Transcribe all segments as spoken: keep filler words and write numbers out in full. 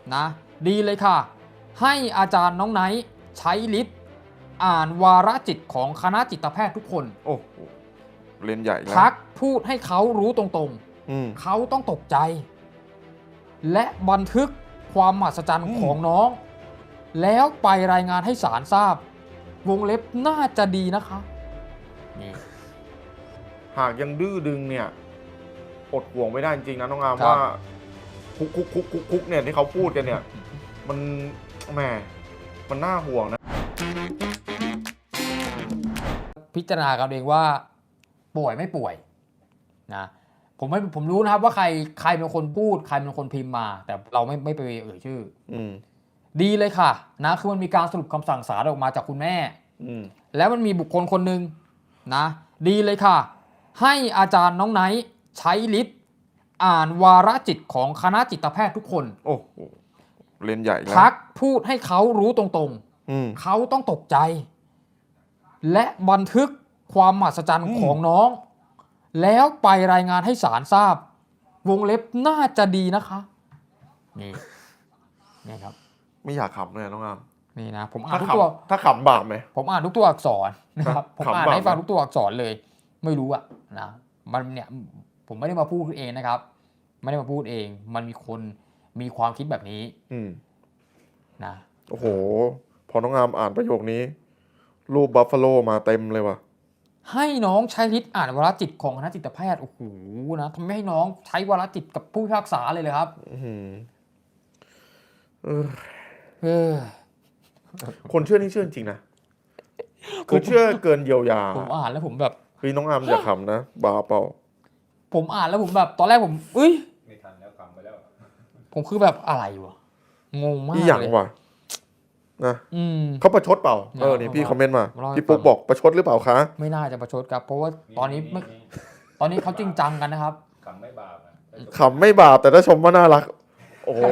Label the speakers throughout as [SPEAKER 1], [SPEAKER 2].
[SPEAKER 1] นะดีเลยค่ะให้อาจารย์น้องไนท์ใช้ลิสต์อ่านวาระจิตของคณะจิตแพทย์ทุกคน
[SPEAKER 2] โอ้โหเรียนใหญ่แล้ว
[SPEAKER 1] ทักพูดให้เขารู้ตรงๆเขาต้องตกใจและบันทึกความมหัศจรรย์ของน้องแล้วไปรายงานให้ศาลทราบวงเล็บน่าจะดีนะคะนี่
[SPEAKER 2] หากยังดื้อดึงเนี่ยอดห่วงไม่ได้จริงๆนะน้องอามว่าคุกคุกคุกคุกคุกเนี่ยที่เขาพูดกันเนี่ยมันแหมมันน่าห่วงนะ
[SPEAKER 1] พิจารณากันเองว่าป่วยไม่ป่วยนะผมไม่ผมรู้นะครับว่าใครใครเป็นคนพูดใครเป็นคนพิมพ์มาแต่เราไม่ไม่ไปเอ่ยชื่ออืดีเลยค่ะนะคือมันมีการสรุปคำสั่งศาลออกมาจากคุณแม่แล้วมันมีบุคคลคนหนึ่งนะดีเลยค่ะให้อาจารย์น้องไนท์ใช้ลิสต์อ่านวาระจิตของคณะจิตแพทย์ทุกคน
[SPEAKER 2] โอ้โหเรียนใหญ่แล้ว
[SPEAKER 1] ทักพูดให้เขารู้ตรงๆเขาต้องตกใจและบันทึกความมหัศจรรย์ของน้องแล้วไปรายงานให้ศาลทราบวงเล็บน่าจะดีนะคะนี่นี่ครับ
[SPEAKER 2] ไม่อยากขำเลยน้องอาม
[SPEAKER 1] นี่นะผมอ่านทุกตัว
[SPEAKER 2] ถ้าขำบาปไหม
[SPEAKER 1] ผมอ่านทุกตัวอักษรนะครับผมอ่านให้ฟังทุกตัวอักษรเลยไม่รู้อะนะมันเนี่ยผมไม่ได้มาพูดเองนะครับไม่ได้มาพูดเองมันมีคนมีความคิดแบบนี้นะ
[SPEAKER 2] โอ้โหพอน้องอามอ่านประโยคนี้รูปบัฟฟาโลมาเต็มเลยว่ะ
[SPEAKER 1] ให้น้องใช้ลิสต์อ่านวาระจิตของคณะจิตแพทย์โอ้โหนะทำให้น้องใช้วาระจิตกับผู้พิพากษาเลยเลยครับ
[SPEAKER 2] เออคนเชื่อนี่เชื่อจริงนะคือเชื่อเกินเยียวยา
[SPEAKER 1] ผมอ่านแล้วผมแบบ
[SPEAKER 2] เฮ้ยน้องอามอย่าขำนะบาเปล่า
[SPEAKER 1] ผมอ่านแล้วผมแบบตอนแรกผมเอ้ยไม่ทันแล้วขำไปแล้วผมคือแบบอะไรวะงงมาก
[SPEAKER 2] เลยอย่างวะนะเขาประชดเปล่าเออนี่พี่คอมเมนต์มาพี่ปุ๊กบอกประชดหรือเปล่าคะ
[SPEAKER 1] ไม่น่าจะประชดครับเพราะว่าตอนนี้ไม่ตอนนี้เขาจริงจังกันนะครับ
[SPEAKER 3] ขำไม่บาป
[SPEAKER 2] ขำไม่บาปแต่ถ้าชมว่าน่ารักโอ้โห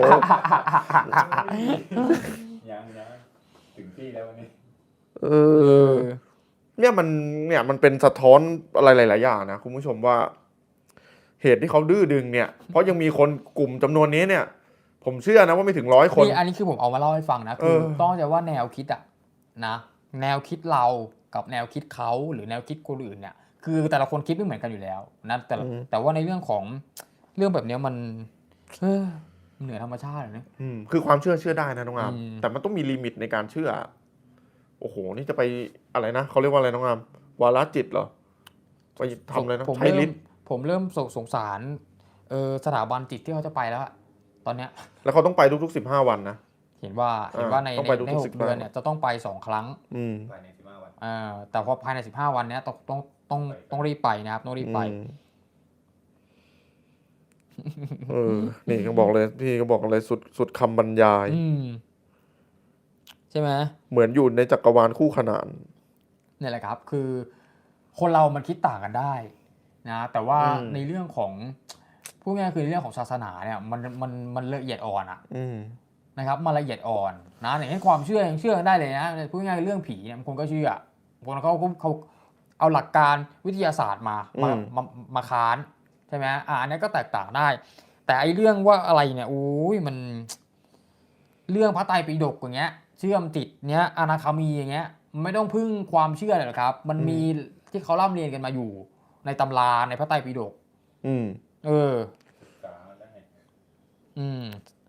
[SPEAKER 3] ยังนะถึงที่แล้ววันนี้
[SPEAKER 2] เออเนี่ยมันเนี่ยมันเป็นสะท้อนอะไรหลายๆอย่างนะคุณผู้ชมว่าเหตุที่เขาดื้อดึงเนี่ยเพราะยังมีคนกลุ่มจำนวนนี้เนี่ยผมเชื่อนะว่าไม่ถึงร้อยคน
[SPEAKER 1] อันนี้คือผมเอามาเล่าให้ฟังนะคือต้องจะว่าแนวคิดอะนะแนวคิดเรากับแนวคิดเขาหรือแนวคิดคนอื่นเนี่ยคือแต่ละคนคิดไม่เหมือนกันอยู่แล้วนะแต่แต่ว่าในเรื่องของเรื่องแบบนี้มันเออเหนือธรรมชาตินะ
[SPEAKER 2] คือความเชื่อเชื่อได้นะน้องอามแต่มันต้องมีลิมิตในการเชื่อโอ้โหนี่จะไปอะไรนะเขาเรียกว่าอะไรน้องอามวาระจิตเหรอไปทำอะไรนะใช้ลิสต์
[SPEAKER 1] ผมเริ่มสงสารเออสถาบันจิตที่เขาจะไปแล้วตอนเนี้ย
[SPEAKER 2] แล้วเขาต้องไปทุกๆสิบห้าวันนะ
[SPEAKER 1] เห็นว่าเห็นว่าในในหกเดือนเนี่ยจะต้องไปสองครั้ง
[SPEAKER 3] ภายในสิบห้าวัน
[SPEAKER 1] อ่าแต่พอภายในสิบห้าวันเนี้ยต้องต้องต้องต้องรีบไปนะครับต้องรีบไป
[SPEAKER 2] เออนี่ก็บอกเลยพี่ก็บอกเลยสุดสุดคำบรรยาย
[SPEAKER 1] ใช่ไหม
[SPEAKER 2] เหมือนอยู่ในจักรวาลคู่ขนาน
[SPEAKER 1] นี่แหละครับคือคนเรามันคิดต่างกันได้นะแต่ว่าในเรื่องของพูดง่ายๆคือเรื่องของศาสนาเนี่ยมันมันมันละเอียดอ่อนอะนะครับมันละเอียดอ่อนนะอย่างเช่นความเชื่อยังเชื่อกันได้เลยนะพูดง่ายๆเรื่องผีเนี่ยคนก็เชื่อคนเขาเขาเอาหลักการวิทยาศาสตร์มามามามาค้านใช่ไหมอ่าอันนี้ก็แตกต่างได้แต่ไอเรื่องว่าอะไรเนี่ยโอ้ยมันเรื่องพระไตรปิฎกอย่างเงี้ยเชื่อมจิตเนี้ยอนาคามีอย่างเงี้ยไม่ต้องพึ่งความเชื่อเลยหรอกครับมันมีที่เขาร่ำเรียนกันมาอยู่ในตำราในพระไตรปิฎก
[SPEAKER 2] อืม
[SPEAKER 1] เอออืม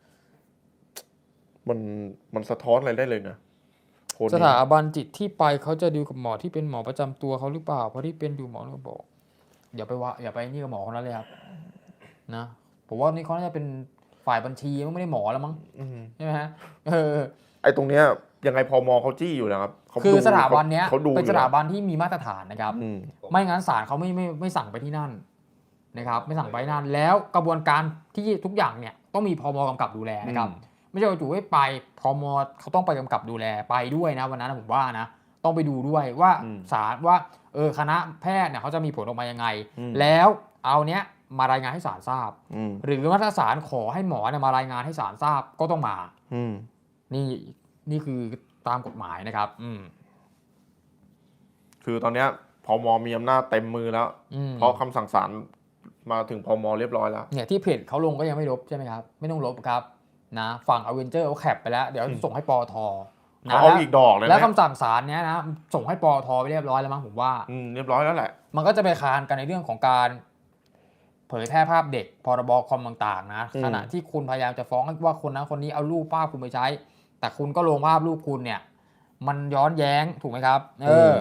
[SPEAKER 2] มันมันสะท้อนอะไรได้เลยนะ
[SPEAKER 1] สถาบันจิตที่ไปเขาจะดูกับหมอที่เป็นหมอประจำตัวเขาหรือเปล่าเพราะที่เป็นดูหมอเขาบอกอย่าไปว่าอย่าไปนี่กับหมอคนนั้นเลยครับนะผมว่านี่เขาน่าจะเป็นฝ่ายบัญชีไม่ได้หมอแล้วมั้งใช่ไหมฮะเออ
[SPEAKER 2] ไอ้ตรงเนี้ยยังไงพมเขาจี้อยู่แล้วครับ
[SPEAKER 1] คือสถาบันเนี้ยเป็นสถาบันที่มีมาตรฐานนะครับไม่งั้นศาลเขาไม่ไม่ไม่สั่งไปที่นั่นนะครับไม่สั่งไปนั่นแล้วกระบวนการที่ทุกอย่างเนี่ยต้องมีพมกำกับดูแลนะครับไม่ใช่ว่าจู่ให้ไปพมเขาต้องไปกำกับดูแลไปด้วยนะวันนั้นผมว่านะต้องไปดูด้วยว่าศาลว่าเออคณะแพทย์เนี่ยเขาจะมีผลออกมายังไงแล้วเอาเนี้ยมารายงานให้ศาลทราบหรือว่าถ้าศาลขอให้หมอเนี่ยมารายงานให้ศาลทราบก็ต้องมานี่นี่คือตามกฎหมายนะครับ
[SPEAKER 2] คือตอนเนี้ยพมมีอำนาจเต็มมือแล้วเพราะคำสั่งศาลมาถึงพมเรียบร้อยแล้ว
[SPEAKER 1] เนี่ยที่เพจเขาลงก็ยังไม่ลบใช่ไหมครับไม่ต้องลบครับนะฝั่งอเวนเจอร์เขาแคปไปแล้วเดี๋ยวส่งให้ปอทนะ
[SPEAKER 2] เขาเอาอีกดอกเลยนะ
[SPEAKER 1] แล้วคำสั่งศาลเนี้ยนะส่งให้ปอทไปเรียบร้อยแล้วมั้งผมว่า
[SPEAKER 2] อืมเรียบร้อยแล้วแหละ
[SPEAKER 1] มันก็จะไปคานกันในเรื่องของการเผยแพร่ภาพเด็กพรบคอมต่างๆนะขณะที่คุณพยายามจะฟ้องว่าคนนั้นคนนี้เอารูปภาพคุณไปใช้ แต่คุณก็ลงภาพรูปคุณเนี่ยมันย้อนแย้งถูกไหมครับเออ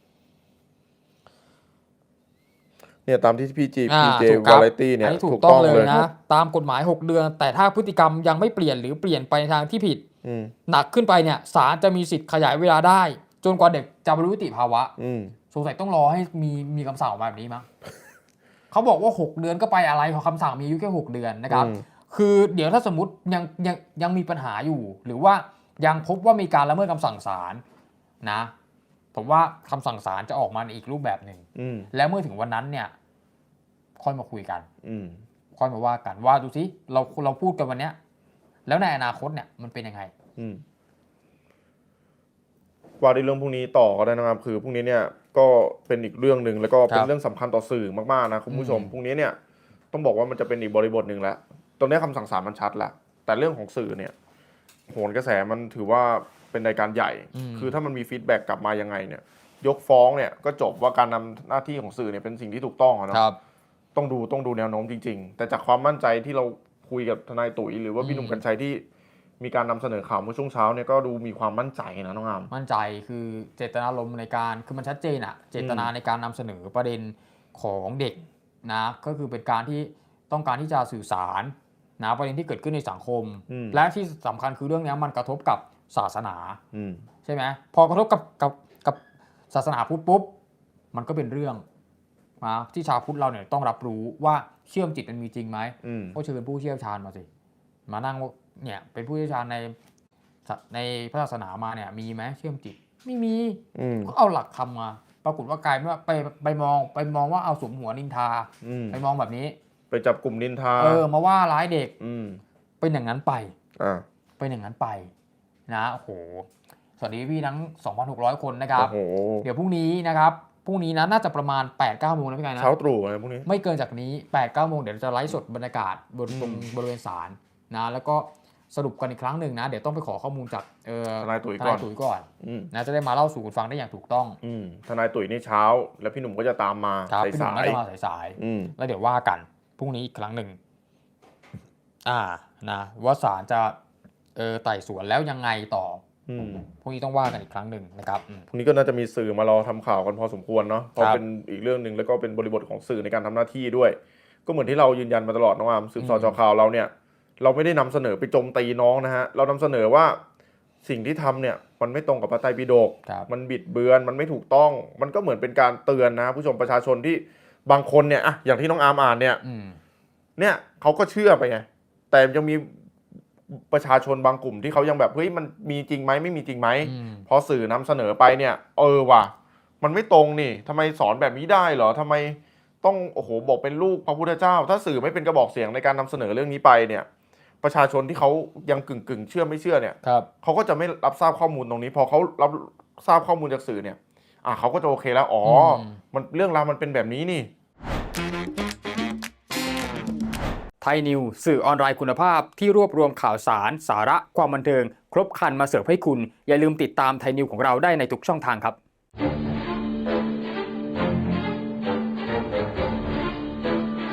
[SPEAKER 2] เนี่ยตามที่พี่จีพีเจ
[SPEAKER 1] ถูกครับ
[SPEAKER 2] วาไรตี้เนี่ย
[SPEAKER 1] อันนี้ถู
[SPEAKER 2] ถู
[SPEAKER 1] ก
[SPEAKER 2] ก
[SPEAKER 1] ต้
[SPEAKER 2] ต้
[SPEAKER 1] อ
[SPEAKER 2] อง ง
[SPEAKER 1] เล
[SPEAKER 2] เลย ย
[SPEAKER 1] นะตามกฎหมายหกเดือนแต่ถ้าพฤติกรรมยังไม่เปลี่ยนหรือเปลี่ยนไปในทางที่ผิด
[SPEAKER 2] อืม
[SPEAKER 1] หนักขึ้นไปเนี่ยศาลจะมีสิทธิ์ขยายเวลาได้ จนกว่าเด็กจะบรรลุนิติภาวะ
[SPEAKER 2] อืม
[SPEAKER 1] สงสัยต้องรอให้มีมีคำสั่งออกมาแบบนี้มั้ง เขาบอกว่าหกเดือนก็ไปอะไรเพราะคำสั่งมีอายุแค่หกเดือนนะครับ
[SPEAKER 2] อืม
[SPEAKER 1] คือเดี๋ยวถ้าสมมติยังยังยังมีปัญหาอยู่ หรือว่ายังพบว่ามีการละเมิดคำสั่งศาลนะผมว่าคำสั่งศาลจะออกมาในอีกรูปแบบหนึ่ง
[SPEAKER 2] อืม
[SPEAKER 1] แล้วเมื่อถึงวันนั้นเนี่ยค่อยมาคุยกัน
[SPEAKER 2] อืม
[SPEAKER 1] ค่อยมาว่ากันว่าดูสิเราเราพูดกันวันเนี้ยแล้วในอนาคตเนี่ยมันเป็นยังไง
[SPEAKER 2] อืมว่าในเรื่องพวกนี้ต่อก็ได้นะครับคือพวกนี้เนี่ยก็เป็นอีกเรื่องหนึ่งแล้วก็เป็
[SPEAKER 1] คน รับ
[SPEAKER 2] เรื่องสำคัญต่อสื่อมากๆนะคุณผู้ชม
[SPEAKER 1] อืม
[SPEAKER 2] พวกนี้เนี่ยต้องบอกว่ามันจะเป็นอีกบริบทหนึ่งแล้วตรงนี้คำสั่งศาลมันชัดแล้วแต่เรื่องของสื่อเนี่ยโหนกระแสมันถือว่าเป็นรายการใหญ่ คือถ้ามันมีฟีดแบ็กกลับมายังไงเนี่ยยกฟ้องเนี่ยก็จบว่าการนำหน้าที่ของสื่อเนี่ยเป็นสิ่งที่ถูกต้องอะเนาะ
[SPEAKER 1] ครับ
[SPEAKER 2] ต้องดูต้องดูแนวโน้มจริงๆแต่จากความมั่นใจที่เราคุยกับทนายตุ๋ยหรือว่าพี่หนุ่มกัญชัยที่มีการนำเสนอข่าวเมื่อช่วงเช้าเนี่ยก็ดูมีความมั่นใจนะน้องอาม
[SPEAKER 1] มั่นใจคือเจตนารมณ์ในการคือมันชัดเจนอะเจตนาในการนำเสนอประเด็นของเด็กนะก็คือเป็นการที่ต้องการที่จะสื่อสารนะประเด็นที่เกิดขึ้นในสังคม
[SPEAKER 2] อืม
[SPEAKER 1] และที่สำคัญคือเรื่องนี้มันกระทบกับศาสนา
[SPEAKER 2] อืม
[SPEAKER 1] ใช่ไหมพอกระทบกับกับกับศาสนาพุทธปุ๊บมันก็เป็นเรื่องนะที่ชาวพุทธเราเนี่ยต้องรับรู้ว่าเชื่อมจิตมันมีจริงไหม
[SPEAKER 2] อืม
[SPEAKER 1] ก็เชิญผู้เชี่ยวชาญมาสิมานั่งว่าเนี่ยเป็นผู้เชี่ยวชาญในในพระศาสนามาเนี่ยมีไหมเชื่อมจิตไม่มี
[SPEAKER 2] อืม
[SPEAKER 1] ก็เอาหลักคำมาปรากฏว่ากลายเป็นว่าไปไปมองไปมองว่าเอาสมหัวนินทา
[SPEAKER 2] อืม
[SPEAKER 1] ไปมองแบบนี้
[SPEAKER 2] ไปจับกลุ่มนินทา
[SPEAKER 1] เออมาว่าร้ายเด็ก
[SPEAKER 2] อืม
[SPEAKER 1] เป็นอย่างนั้นไป
[SPEAKER 2] อ่า
[SPEAKER 1] เป็นอย่างนั้นไปนะโอ้โหสวัสดีพี่ทั้ง สองพันหกร้อย คนนะครับ
[SPEAKER 2] โอ้โห
[SPEAKER 1] เดี๋ยวพรุ่งนี้นะครับพรุ่งนี้นะน่าจะประมาณ แปดเก้า โมงนะพี่กายนะ
[SPEAKER 2] เช้าตรู่อะไรพวกนี้
[SPEAKER 1] ไม่เกินจากนี้ แปดเก้า โมงเดี๋ยวจะไลฟ์สดบรรยากาศบนตรงบริเวณศาลนะแล้วก็สรุปกันอีกครั้งหนึ่งนะเดี๋ยวต้องไปขอข้อมูลจากเอ่อ
[SPEAKER 2] ทนายตุ๋ย
[SPEAKER 1] ท
[SPEAKER 2] ก่อน
[SPEAKER 1] นายตุ๋ยก่อน
[SPEAKER 2] อืม
[SPEAKER 1] นะจะได้มาเล่าสู่กันฟังได้อย่างถูกต้อง
[SPEAKER 2] อืมทนายตุ๋ยนี่เช้า แล้วพี่หนุ่มก็จะตามมา
[SPEAKER 1] ครับ
[SPEAKER 2] สาย
[SPEAKER 1] พี่หนุ่
[SPEAKER 2] สาม
[SPEAKER 1] ก็
[SPEAKER 2] ย
[SPEAKER 1] จะมาสาย
[SPEAKER 2] อืม
[SPEAKER 1] ๆแล้วเดี๋ยวว่ากันพรุ่งนี้อีกครั้งหนึ่งอ่านะว่าศาลจะเออไต่สวนแล้วยังไงต่อ
[SPEAKER 2] อืม
[SPEAKER 1] พรุ่งนี้ต้องว่ากันอีกครั้งหนึ่งนะครับอืม
[SPEAKER 2] พรุ่งนี้ก็น่าจะมีสื่อมารอทำข่าวกันพอสมควรเนาะเพราะ
[SPEAKER 1] ครับ
[SPEAKER 2] เป็นอีกเรื่องหนึ่งแล้วก็เป็นบริบทของสื่อในการทำหน้าที่ด้วย ก็เหมือนที่เรายืนยันมาตลอดน้องอามสืบสอด
[SPEAKER 1] อืม
[SPEAKER 2] จอข่าวเราเนี่ย เราไม่ได้นำเสนอไปโจมตีน้องนะฮะเรานำเสนอว่าสิ่งที่ทำเนี่ยมันไม่ตรงกับพระไตรปิฎก
[SPEAKER 1] ครับ
[SPEAKER 2] มันบิดเบือนมันไม่ถูกต้อง มันก็เหมือนเป็นการเตือนนะผู้ชมประชาชนที่บางคนเนี่ยอะอย่างที่น้องอาร์มอ่านเนี่ย
[SPEAKER 1] อืม
[SPEAKER 2] เนี่ยเขาก็เชื่อไปไงแต่ยังมีประชาชนบางกลุ่มที่เขายังแบบเฮ้ยมันมีจริงไหมไม่มีจริงไหม
[SPEAKER 1] อืม
[SPEAKER 2] พอสื่อนำเสนอไปเนี่ยเออว่ะมันไม่ตรงนี่ทำไมสอนแบบนี้ได้เหรอทำไมต้องโอ้โหบอกเป็นลูกพระพุทธเจ้า ถ้าสื่อไม่เป็นกระบอกเสียงในการนำเสนอเรื่องนี้ไปเนี่ยประชาชนที่เขายังกึ่งกึ่งๆเชื่อไม่เชื่อเนี่ย
[SPEAKER 1] ครับ
[SPEAKER 2] เขาก็จะไม่รับทราบข้อมูลตรงนี้ พอเขารับทราบข้อมูลจากสื่อเนี่ยอ่ะเขาก็จะโอเคแล้วอ๋ออ
[SPEAKER 1] ม
[SPEAKER 2] มันเรื่องราวมันเป็นแบบนี้นี่
[SPEAKER 1] ไทยนิวสื่อออนไลน์คุณภาพที่รวบรวมข่าวสาร สาระความบันเทิง ครบครันมาเสิร์ฟให้คุณ อย่าลืมติดตามไทยนิวของเราได้ในทุกช่องทางครับ